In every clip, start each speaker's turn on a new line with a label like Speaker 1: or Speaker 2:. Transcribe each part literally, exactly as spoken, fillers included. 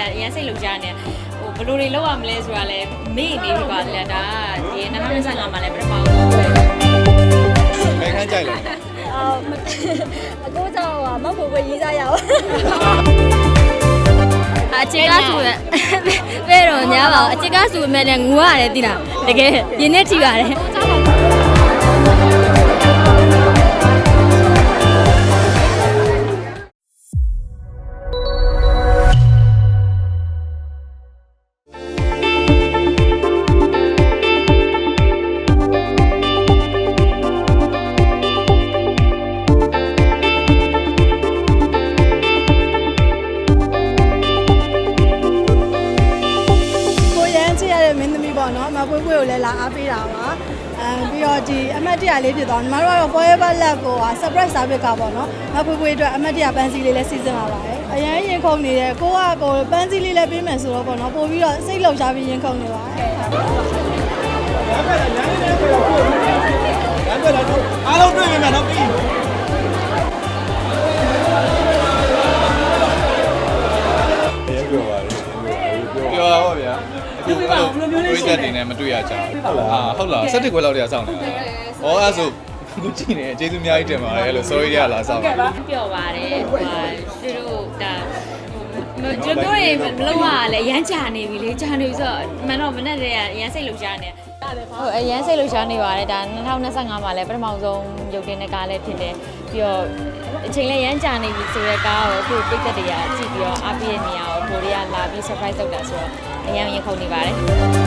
Speaker 1: ရန်စိတ်လုံကြနေဟိုဘယ်လိုတွေလောက်ရမလဲဆိုတာလဲမေ့နေပြီပါလေဒါဒီနှစ်ထောင်နှစ်ဆယ်ငါမှာလဲပထမဆုံးပဲ
Speaker 2: ဘယ်ခန်းကြိုက်လဲ
Speaker 3: အော်အခုတော့မောက်ဖို့ပဲရေးစားရအောင်အချစ်ကဆိုရဘယ်တော့ညာပါအချစ်ကဆိုမဲ့လည်းငူရတယ်တိလားတကယ်ရင်းနဲ့ထိပါတယ်
Speaker 4: မပွေးပွေးကိုလည်းလာအားပေးတာပါအဲပြီးတော့ဒီအမတ်တရလေးဖြစ်သွားညီမတို့ကတော့ Forever Love ကို surprise service ကပေါ့နော်မပွေးပွေးအတွက်အမတ်တရပန်းစည်းလေးလည်းစီစဉ်လာပါတယ်အရင်ရင်ခုန်နေတယ်ကိုကကိုပန်းစည်းလေးလည်းပေးမယ်ဆိုတော့ပေါ့နော်ပို့ပြီးတော့စိတ်လှုပ်ရှားပြီးရင်ခုန်နေပါတယ်
Speaker 2: အားလုံးတွေ့ပြီမယ်နော်ပြီးပြောပါလေပြောပါဗျာဒီလိုမျိုးလေးရှိတယ်နဲ့မတွေ့ရကြဘူးဟုတ်လားဟုတ်လား၁၁ခွဲလောက်တည်းစောင့်နေတာဩအဲ့ဆိုခုကြည့်နေကျေးဇူးအများကြီးတင်ပါတယ်လို့ sorry ရလာစောင့်နေတာ
Speaker 1: ပျော်ပါတယ်ဟိုသူတို့ဒါဒီလိုမျိုးတွေမလုပ်ရလဲရမ်းကြာနေပြီလေကြာနေပြီဆိုတော့မန်တော့မနဲ့တည်းကရမ်းစိတ်လှုပ်ရှားနေဟုတ်အရမ်းစိတ်လှုပ်ရှားနေပါတယ်ဒါနှစ်ထောင်နှစ်ဆယ်ငါမှာလဲပထမဆုံးရုပ်တင်တဲ့ကားလည်းဖြစ်တယ်ပြီးတော့အချိန်လည်းရမ်းကြာနေပြီဆိုတဲ့ကားကိုအခုပိတ်သက်တွေကကြည့်ပြီးတော့အားပြည့်နေရအောင်ကိုတွေကလာပြီး surprise လုပ်တာဆိုတော့အရမ်းရင်ခုန်နေပါတယ်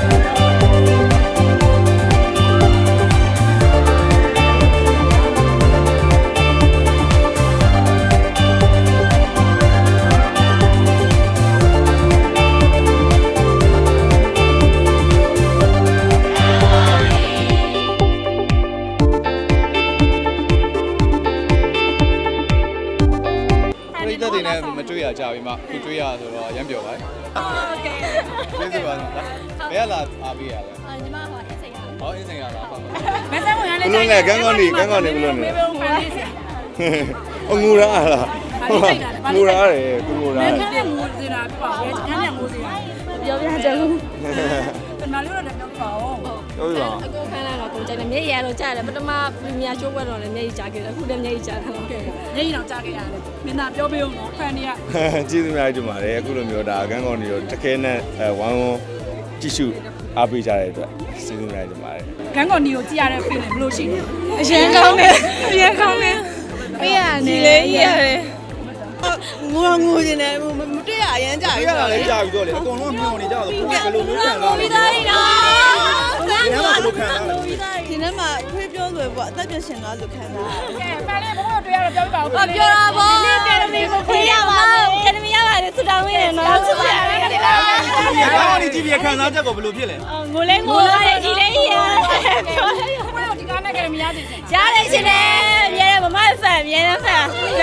Speaker 2: မတွေ့ရကြပြီမှခုတွေ့ရဆိုတော့ရမ်းပြောပါဟုတ်ကဲ့ကျေးဇူးပါဘယ်လာအားပေးရလဲ
Speaker 3: ညီမဟောအင်းစိတ်ရ
Speaker 2: ဟောအင်းစိန်ရလားဟုတ်
Speaker 5: မဆန်းဝင်ရလဲ
Speaker 2: ဘလို့လဲကန်းကောင်းနေကန်းကောင်းနေဘလို့လဲအငူရာလားငူရာတယ်သူငူရာတယ်
Speaker 5: ခန်းနဲ့ငိုစရာပြပါရဲ့ခန်းနဲ့ငိုစရာ
Speaker 3: ပြောပြကြလို့
Speaker 5: ပနာလို့လည်းပြောပါဦး
Speaker 2: ပြောပြပါ
Speaker 3: အကိုခန်းလာတော့ကိုကြိုက်တယ်မျက်ရည်ရလို့ကြားတယ်ပထမပရီမီယာရှိုးပွဲတော့လည်းမျက်ရည်ကြားခဲ့တယ်အခုလည်းမျက်ရည်ကြားတယ်ဟုတ်ကဲ့
Speaker 5: မျက်ရည်တော့ကြားခဲ့ရတယ်မင်းသားပြောပေးဦးနော်ဖန်နေရ
Speaker 2: ကျေးဇူးများတင်ပါတယ်အခုလိုမျိုးဒါကန်းကောင်းနေတော့တကယ်နဲ့ဝမ်းဝမ်းကြည့်ရှုအားပေးကြတဲ့အတွက်ကျေးဇူးများတင်ပါတယ်
Speaker 5: ကန်းကော်နီကိုကြည့်ရတဲ့ feeling ဘယ်လိုရှိလဲအရင်ကောင်းတယ်အရင်ကောင်းတယ်
Speaker 3: ပေးရတယ်လေရတယ်
Speaker 4: ငိုငိုနေတယ်မတွေ့ရအရင်ကြာပြီ
Speaker 2: ရတာလည်းကြာပြီတော့လေအကုန်လုံးမျောနေကြတော့ဘယ်လိုမျိုးခံစားလဲ
Speaker 4: ပြီးသားနော်
Speaker 2: ဘယ်မှာဘယ်လိုခံစားလဲ
Speaker 4: ဒီနေ့မှဖွေးပြောဆိုပေါ့အသက်ပြန်ရှင်သွားလို့ခံစား
Speaker 5: ကဲဖန်လေးဘဘတွေ့ရတော့ပြောပြပါဦး
Speaker 3: ပြောတာပေါ့ဒီကယ်ဒမီကိုဖေးရပါမယ်ကယ်ဒမီရပါတယ်ဆူတောင်းနေတယ်နော်ဆူတောင်းနေတယ်
Speaker 2: ဟာဒီကြည့်ပြီးခံစားချက်ကိုဘယ်လိုဖြစ်လဲ
Speaker 3: ငိုလဲငိုရတယ်ကြီးလဲကြီးရတယ်ပြောလဲ
Speaker 5: ဘဘဒီကားနဲ့ကယ်ဒမီရစီ
Speaker 3: ရတယ်ရှင်တယ်မြဲတယ်မမဖန်မြဲတယ်ဖန်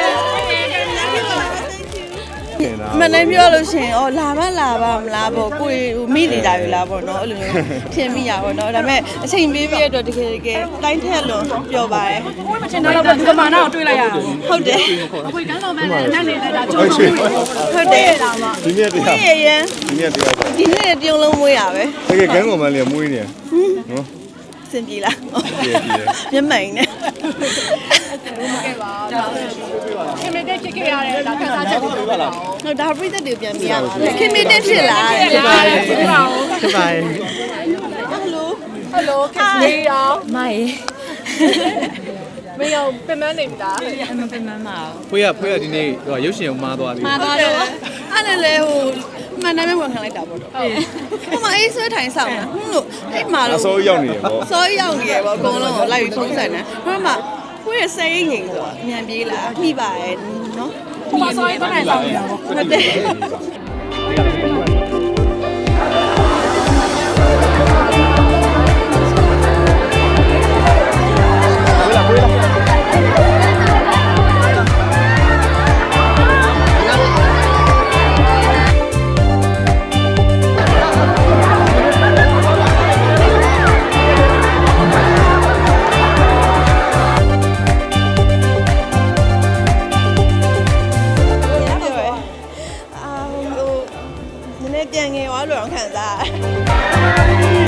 Speaker 4: မနိုင်ပြောလို့ရှင်ဩလာမလာပါမလားပေါ့ကိုယ်မိနေတာပြီလားပေါ့နော်အဲ့လိုမျိုးဖြစ်မိရပါတော့ဒါပေမဲ့အချိန်ပေးပြီးတော့တကယ်တကယ်တိုင်းထက်လို့ပြောပါတယ်
Speaker 5: ဘယ်မှာချင်တော့ဒီကမာနာကိုတွေးလိုက်ရအောင်
Speaker 4: ဟုတ်တယ်
Speaker 5: အခုကန်းတော်မဲ့နဲ့နဲ့နေတာကျုံးလို့
Speaker 4: ဟုတ်တယ်လာမ
Speaker 2: ဒီနေ့တရား
Speaker 4: ဒီနေ့
Speaker 2: ဒီနေ့တရား
Speaker 4: ဒီနေ့တရုံလုံးမွေးရပဲ
Speaker 2: တကယ်ကန်းကောင်မလေးမွေးနေနော်
Speaker 4: စင်ပြေလား
Speaker 2: ပြေပြေ
Speaker 4: မျက်မှန်နဲ့
Speaker 5: ခဲ့ပါခင်မတဲ့ဖြစ်ခဲ့ရတဲ့ဒါခန်းစားချက်ကိုပြောပါလား
Speaker 4: ဟုတ်ဒါပြည့်တဲ့တွေပြန်ပြရပါမယ်ခင်မတဲ့ဖြစ်လား
Speaker 5: ဖြစ်ပါရဲ့ဖြစ်ပါဦး
Speaker 2: ဖြစ်ပါရဲ့
Speaker 4: ဟယ်လို
Speaker 5: ဟယ်လိုခစ်နေရော
Speaker 3: မိုင်
Speaker 5: မင်းရောပင်မနေပြီလား
Speaker 3: မပင်မမအောင်
Speaker 2: ဖွေးရဖွေးရဒီနေ့ဟိုရုပ်ရှင်ကိုမှားသွားပြီ
Speaker 3: မှားသွားတော့
Speaker 4: အဲ့လည်းလေဟိုမှန်တယ်မဲ့ဝန်ခံလိုက်တာပေါ့တော့ဟိုမှာအေးဆွဲထိုင်ဆောင်တာဟွန်းလို့အဲ့မှာ
Speaker 2: တော့အစိုးရောက်နေတယ်ပေါ့
Speaker 4: စောရောက်နေရပေါ့အကုန်လုံးကိုလိုက်ပြီးဖုံးဆက်နေဟိုမှာဖွေးရစိတ်ငိမ်ဆိုတော့အမြန်ပြေးလာမိပါရဲ့နော်
Speaker 5: ဟိုမှာစောရင်တော့နိုင်ဆောင်နေတာပေါ့
Speaker 4: ဟုတ်တယ်ပြန်ငယ်သွားလို့တော့ခံစား